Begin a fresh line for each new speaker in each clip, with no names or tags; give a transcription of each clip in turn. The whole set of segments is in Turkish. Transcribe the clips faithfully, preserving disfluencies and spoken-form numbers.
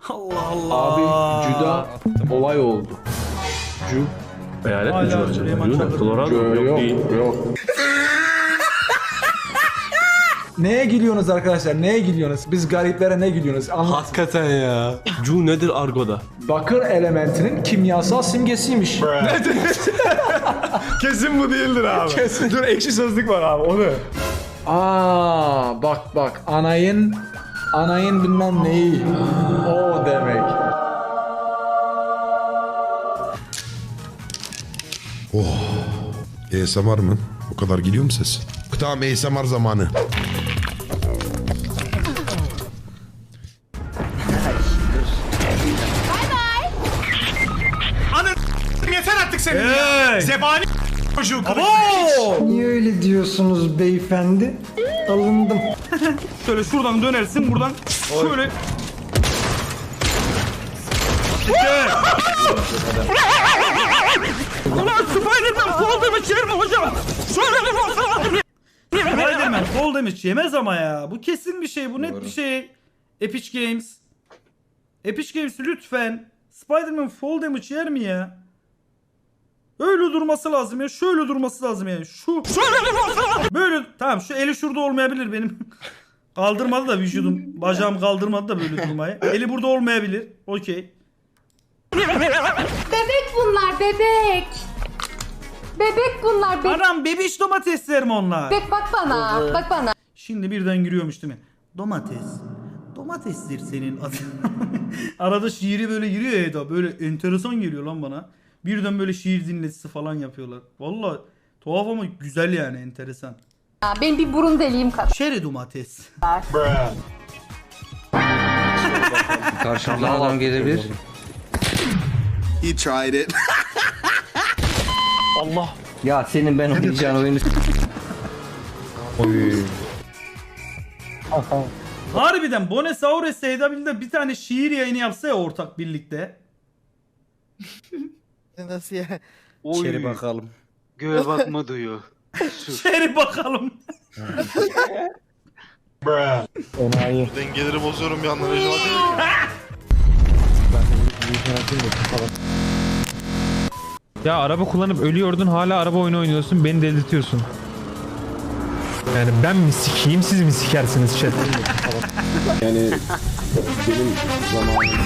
Allah Allah.
Abi Cüda olay oldu. Cü.
Hayalet mi Cü acaba? Cü ne? Colorado yok,
yok
değil.
yok. Neye gülüyorsunuz arkadaşlar? Neye gülüyorsunuz? Biz gariplere ne gülüyorsunuz? Anlat.
Hakikaten ya.
Cü nedir argoda?
Bakır elementinin kimyasal simgesiymiş.
Kesin bu değildir abi. Kesin. Dur ekşi sözlük var abi onu.
Aa bak bak anayın anayın bilmem neyi. O demek.
Oh. A S M R mı? O kadar geliyor mu ses? Tamam A S M R zamanı.
Yeter artık senin ya. Zebani çocuğu kılıç.
Niye öyle diyorsunuz beyefendi? Alındım.
Şöyle şuradan dönersin buradan şöyle. Ulan Spiderman fall damage yer mi hocam? Şöyle bir baksana. Spiderman fall damage yemez ama ya. Bu kesin bir şey. Bu net bir şey. Epic Games. Epic Games lütfen. Spiderman fall damage yer mi ya? Öyle durması lazım ya. Şöyle durması lazım yani. Şu. Şöyle bir baksana. Böyle. Tamam şu eli şurada olmayabilir benim. Kaldırmadı da vücudum. Bacağım kaldırmadı da böyle durmayı. Eli burada olmayabilir. Okey.
Bebek bunlar bebek. Bebek bunlar bebek.
Anam bebiş domatesler mi onlar?
Bebek bak bana. Bak bana.
Şimdi birden giriyormuş değil mi? Domates. Domatesdir senin adın. Arada şiiri böyle giriyor ya Eda. Böyle enteresan geliyor lan bana. Birden böyle şiir dinletisi falan yapıyorlar. Vallahi tuhaf ama güzel yani enteresan.
Benim bir burun deliğim kadar.
Şeri domates.
Karşımdan adam gelebilir.
He tried it.
Allah.
Ya senin ben oynayacağın oyunu... Oy.
Harbiden Bonesaurus Edabil'de bir tane şiir yayını yapsa ya ortak birlikte.
Nasıl ya?
İçeri bakalım.
Göğe bakma duyuyor.
Şeri bakalım.
Dengeleri bozuyorum bir anda Recep
Ya araba kullanıp ölüyordun hala araba oyunu oynuyorsun beni delirtiyorsun. Yani ben mi sikeyim siz mi sikersiniz chat?
Yani benim zamanım.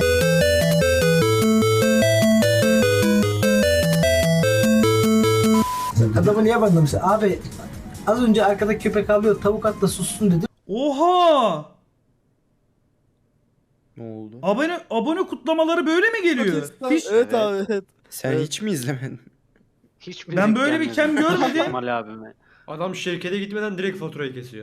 Adamı niye banlamışlar? Abi az önce arkada köpek avlıyor, tavuk atla sussun dedim.
Oha!
Ne oldu?
Abone abone kutlamaları böyle mi geliyor? Hiç,
Evet abi evet.
Sen hiç mi izlemedin?
Hiç
ben böyle bir kem görmedim.
Kemal abime.
Adam şirkete gitmeden direkt faturayı kesiyor.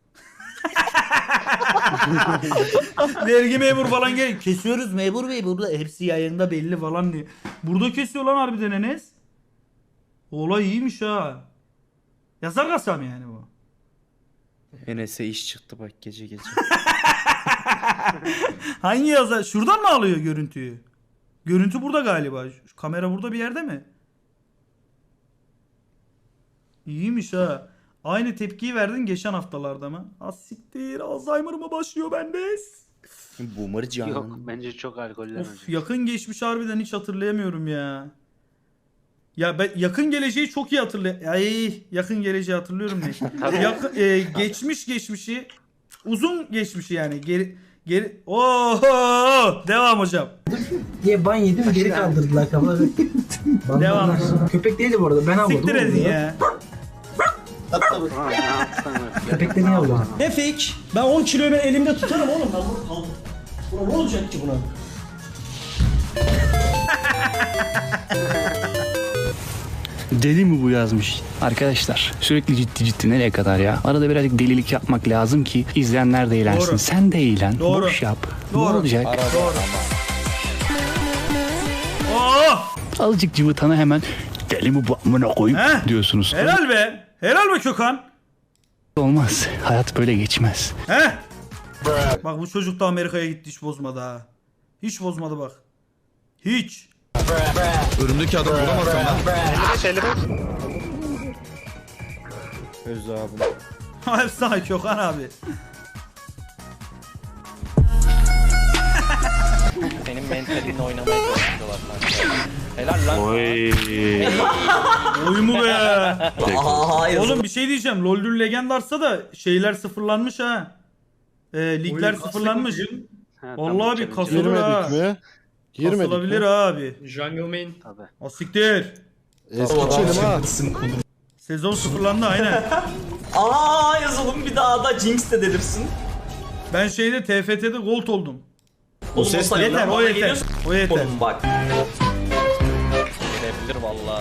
Vergi memur falan gel. Kesiyoruz memur bey burada hepsi yayında belli falan diye. Burada kesiyor lan harbiden Enes. Olay iyiymiş ha. Yazar kasam yani bu.
Enes'e iş çıktı bak gece gece.
Hangi yazar? Şuradan mı alıyor görüntüyü? Görüntü burada galiba. Şu kamera burada bir yerde mi? İyiymiş ha. Aynı tepkiyi verdin geçen haftalarda mı? Az siktir. Alzheimer mı başlıyor bende?
Boomer canım.
Yok bence çok alkollemedi.
Of yakın geçmiş harbiden hiç hatırlayamıyorum ya. Ya ben yakın geleceği çok iyi hatırlıyorum. Ay yakın geleceği hatırlıyorum ne? yakın, e, geçmiş geçmişi uzun geçmişi yani geri geri oho devam hocam.
Diye ban yedim geri kaldırdılar kafaları.
Devam.
Köpek değildi bu arada ben avladım.
Siktir edin ya.
Köpek de niye avladım?
Ne fake? Ben on kiloyu ben elimde tutarım oğlum. Ben bunu aldım. Buna ne olacak ki buna?
Deli mi bu yazmış? Arkadaşlar sürekli ciddi ciddi nereye kadar ya? Arada birazcık delilik yapmak lazım ki izleyenler de eğlensin.
Doğru.
Sen de eğlen.
Doğru.
Boş yap.
Doğru.
Ne olacak?
Doğru. Oh!
Azıcık cıvıtana hemen deli mi bu amına koyup
He?
diyorsunuz.
Helal be. Helal be Kökan.
Olmaz. Hayat böyle geçmez.
He? Bak bu çocuk da Amerika'ya gitti hiç bozmadı ha. Hiç bozmadı bak. Hiç.
Önümdeki adam vuramazsam lan.
Öz abim.
Efsane Kökan abi.
seninle oynamaya çalışıyorlar kanka. Helal lan.
Oy.
Oy mu be?
Aa,
Oğlum bir şey diyeceğim. LoL'dür Legendars'a da şeyler sıfırlanmış ha. Ee, ligler
Oyun
sıfırlanmış.
Ha,
Vallahi
tamam,
bir
challenge.
kasılır ha.
mi?
Kasılabilir ha abi.
Jungle main.
Tabii.
O siktir.
Eski çelim ha.
Sezon sıfırlandı aynen.
Aa yazalım bir daha da Jinx de delirsin.
Ben şeyde T F T'de gold oldum.
O ses ne
Yeter
lan?
o
Bana
yeter.
geliyorsun.
O yeter.
Oğlum bak. Gelebilir valla.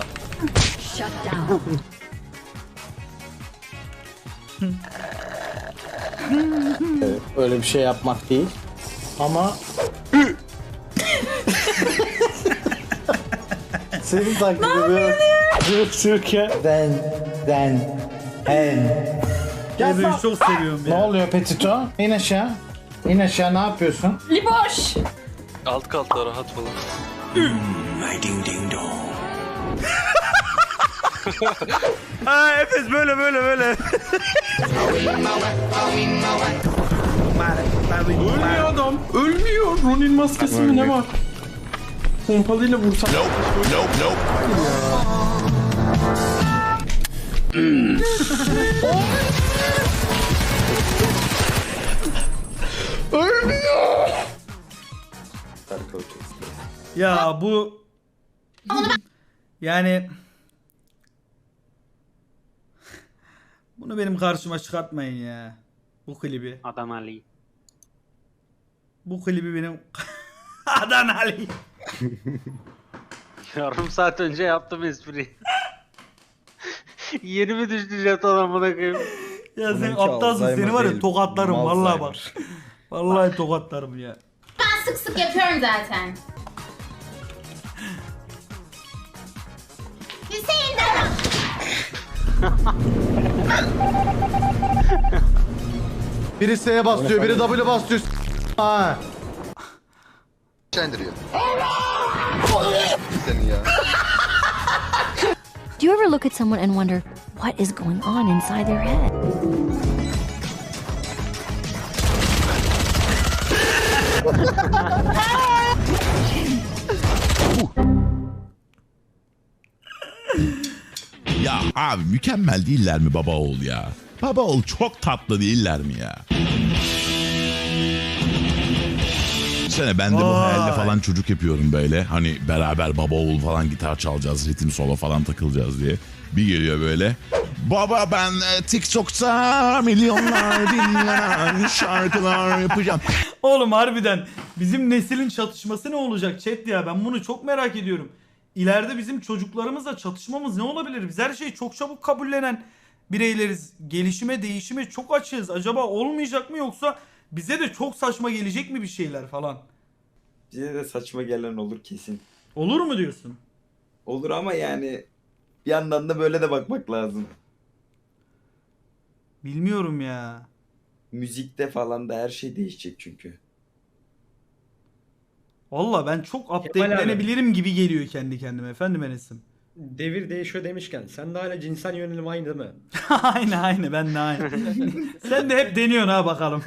Öyle bir şey yapmak değil. Ama senin taklidi bir Türkiye den den hen.
Ben böyle çok seviyorum
Ne
ya.
oluyor Petito? İn aşağı. İn aşağı ne yapıyorsun?
Liboş.
Alt kalta rahat falan.
Ha Efes böyle böyle böyle.
Ölmüyor adam. Ölmüyor. Ronin maskesi mi ne var? Pompalıyla vursam.
Ya bu yani bunu benim karşıma çıkartmayın ya. Bu klibi.
Adam Ali.
Bu klibi benim Adan Ali.
Yarım saat önce yaptım espriyi. Yeni mi düştü jeton amına koyayım?
Ya sen aptalsın, seni var ya tokatlarım vallahi bak. Vallahi tokatlarım ya.
Ben sık sık yapıyorum zaten. Hüseyin de.
Biri S'ye basıyor, biri W basıyor. Ha.
Çendiriyor. Seni ya.
Do you ever look at someone and wonder what is going on inside their head?
Ya abi mükemmel değiller mi baba oğul ya? Baba oğul çok tatlı değiller mi ya? Sene ben de bu
Vay.
hayalle falan çocuk yapıyorum böyle. Hani beraber baba oğul falan gitar çalacağız, ritim solo falan takılacağız diye. Bir geliyor böyle. Baba ben e, TikTok'ta milyonlar dinlenen şarkılar yapacağım.
Oğlum harbiden bizim neslin çatışması ne olacak chat ya, ben bunu çok merak ediyorum. İleride bizim çocuklarımızla çatışmamız ne olabilir? Biz her şeyi çok çabuk kabullenen bireyleriz. Gelişime, değişime çok açığız. Acaba olmayacak mı, yoksa bize de çok saçma gelecek mi bir şeyler falan?
Bize de saçma gelen olur kesin.
Olur mu diyorsun?
Olur ama yani bir yandan da böyle de bakmak lazım.
Bilmiyorum ya.
Müzikte falan da her şey değişecek çünkü.
Valla ben çok updatelenebilirim gibi geliyor kendi kendime efendim Enes'im.
Devir değişiyor demişken sen de hala cinsel yönelim aynı değil mi?
Aynı aynı, ben de aynı. Sen de hep deniyorsun ha bakalım.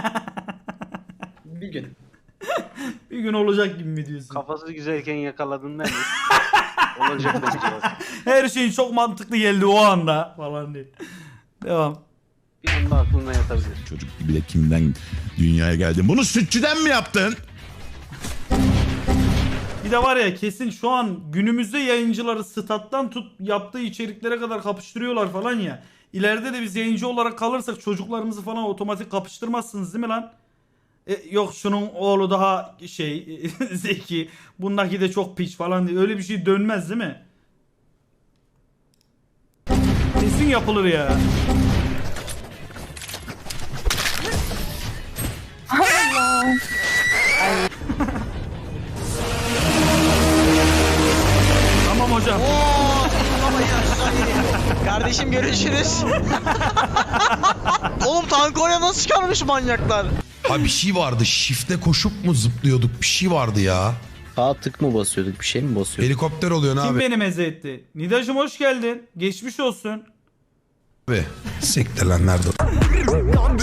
Bir gün.
Bir gün olacak gibi mi diyorsun?
Kafası güzelken yakaladın değil mi? Olacak bence bak.
Her şeyin çok mantıklı geldi o anda falan diye. Devam.
Bir anda aklına yatabilir.
Çocuk gibi de kimden dünyaya geldin? Bunu sütçüden mi yaptın?
Bir de var ya, kesin şu an günümüzde yayıncıları stat'tan tut yaptığı içeriklere kadar kapıştırıyorlar falan ya. İleride de biz yayıncı olarak kalırsak çocuklarımızı falan otomatik kapıştırmazsınız değil mi lan? E, yok şunun oğlu daha şey zeki, bundaki de çok piç falan diye, öyle bir şey dönmez değil mi? Kesin yapılır ya. Tamam hocam.
Kardeşim görüşürüz. Oğlum tank oraya nasıl çıkarmış manyaklar?
Abi bir şey vardı. Shift'e koşup mu zıplıyorduk? Bir şey vardı ya.
Sağ tık mı basıyorduk, bir şey mi basıyorduk?
Helikopter oluyor ne
Kim
abi?
beni meze etti? Nidacım hoş geldin. Geçmiş olsun.
Abi siktir lan nerede?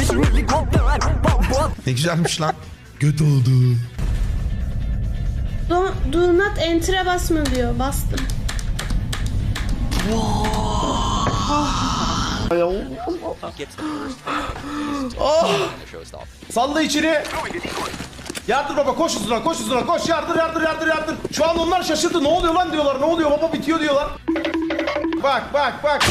Ne güzelmiş lan. Göt oldu.
Do not enter'e basma diyor. Bastım.
Salla içeri. Yardır baba, koş hızına, koş hızına, koş, yardır, yardır, yardır, yardır. Şu an onlar şaşırdı, ne oluyor lan diyorlar, ne oluyor baba, bitiyor diyorlar. Bak, bak, bak.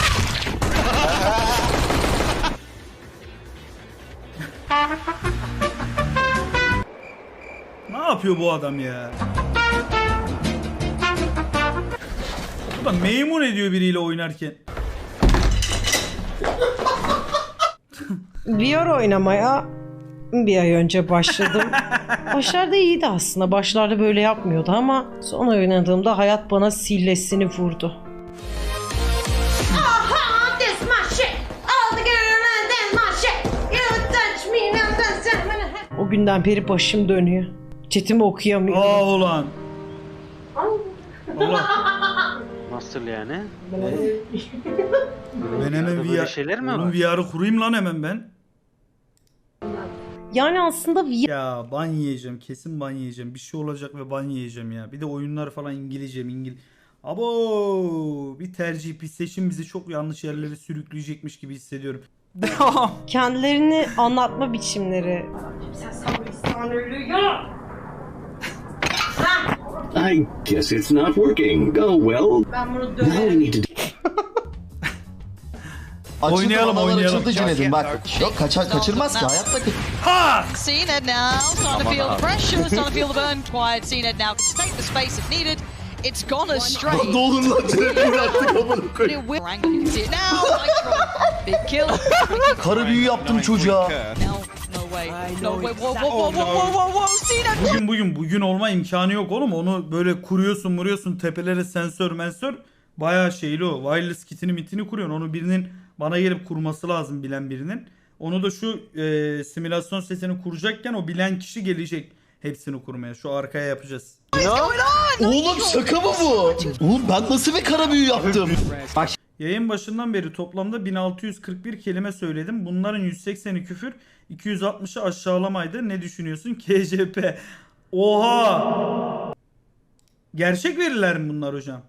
Ne yapıyor bu adam ya? Bu da meymun ediyor biriyle oynarken.
V R oynamaya bir ay önce başladım. Başlarda iyiydi aslında. Başlarda böyle yapmıyordu ama son oynadığımda hayat bana sillesini vurdu.
Aha, this my shit. All the girl and then my shit. You touch me now, that's
O günden beri başım dönüyor. Chatimi okuyamıyorum.
Aa ulan. Allah.
Nasıl yani?
Ben hemen
Böyle
V R,
şeyler mi
onun
var?
V R'ı kurayım lan hemen ben.
Yani aslında V R...
Ya ban yiyeceğim, kesin ban yiyeceğim. Bir şey olacak ve ban yiyeceğim ya. Bir de oyunlar falan İngilizce mi İngiliz. Abo bir tercih, bir seçim bizi çok yanlış yerlere sürükleyecekmiş gibi hissediyorum.
Kendilerini anlatma biçimleri.
I guess it's not working. Oh well.
Ben bunu
Now we need to
Oynayalım oynayalım.
Cüneyt'im bak. Yok kaçar kaçırmaz ki hayatta.
Ha!
Cned now, starting to feel the pressure, starting to feel the burn. Quiet, Cned now can take the space if needed. It's gone astray.
Ne olur lan Cüneyt bıraktık amına koyayım.
You can see it now. Big kill.
Karı büyü yaptım çocuğa.
No, no way. No way. Whoa, whoa, whoa, whoa, whoa, whoa, Cned.
Bugün bugün bugün olma imkanı yok oğlum. Onu böyle kuruyorsun, vuruyorsun, tepelere sensör, mensör. Bayağı şeyli o. Wireless kitini mitini kuruyorsun. Onu birinin bana gelip kurması lazım, bilen birinin. Onu da şu e, simülasyon setini kuracakken o bilen kişi gelecek hepsini kurmaya. Şu arkaya yapacağız.
Oğlum şaka mı bu? Oğlum ben nasıl bir kara büyü yaptım?
Yayın başından beri toplamda bin altı yüz kırk bir kelime söyledim. Bunların yüz sekseni küfür, iki yüz altmışı aşağılamaydı. Ne düşünüyorsun? K J P. Oha! Gerçek veriler mi bunlar hocam?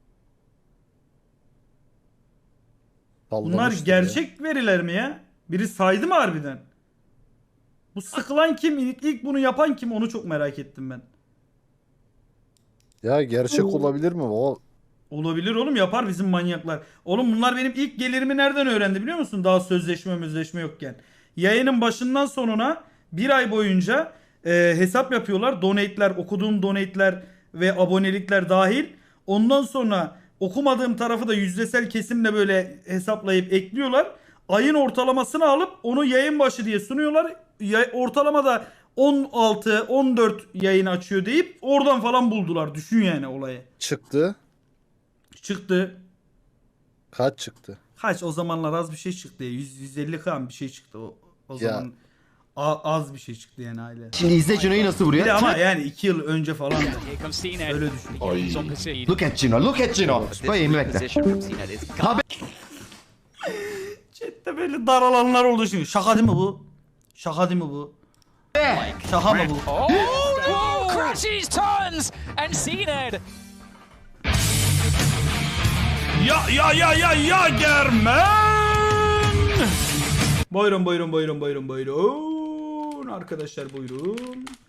Bunlar gerçek veriler mi ya? Biri saydı mı harbiden? Bu sıkılan kim? İlk, ilk bunu yapan kim? Onu çok merak ettim ben.
Ya gerçek olabilir mi o?
Olabilir oğlum, yapar bizim manyaklar. Oğlum bunlar benim ilk gelirimi nereden öğrendi biliyor musun? Daha sözleşme sözleşme yokken. Yayının başından sonuna bir ay boyunca e, hesap yapıyorlar. Donate'ler, okuduğum donate'ler ve abonelikler dahil. Ondan sonra okumadığım tarafı da yüzdesel kesimle böyle hesaplayıp ekliyorlar. Ayın ortalamasını alıp onu yayın başı diye sunuyorlar. Ya, ortalamada on altı on dört yayın açıyor deyip oradan falan buldular. Düşün yani olayı.
Çıktı.
Çıktı.
Kaç çıktı?
Kaç o zamanlar az bir şey çıktı ya. yüz yüz elli kan bir şey çıktı o, o
Ya.
zaman. A, az bir şey çıktı yani aile.
Şimdi izle Cino'yu nasıl vuruyor.
Bir de ama yani iki yıl önce falan da. Öyle düşün.
Look at Cino, look at Cino. Koyayım bekle.
Chat'te böyle daralanlar oldu şimdi. Şaka değil mi bu? Şaka değil mi bu? Şaka mı bu?
Crashes turns and Cned.
Ya ya ya ya ya Germen. Buyurun buyurun buyurun buyurun buyurun. Arkadaşlar buyurun.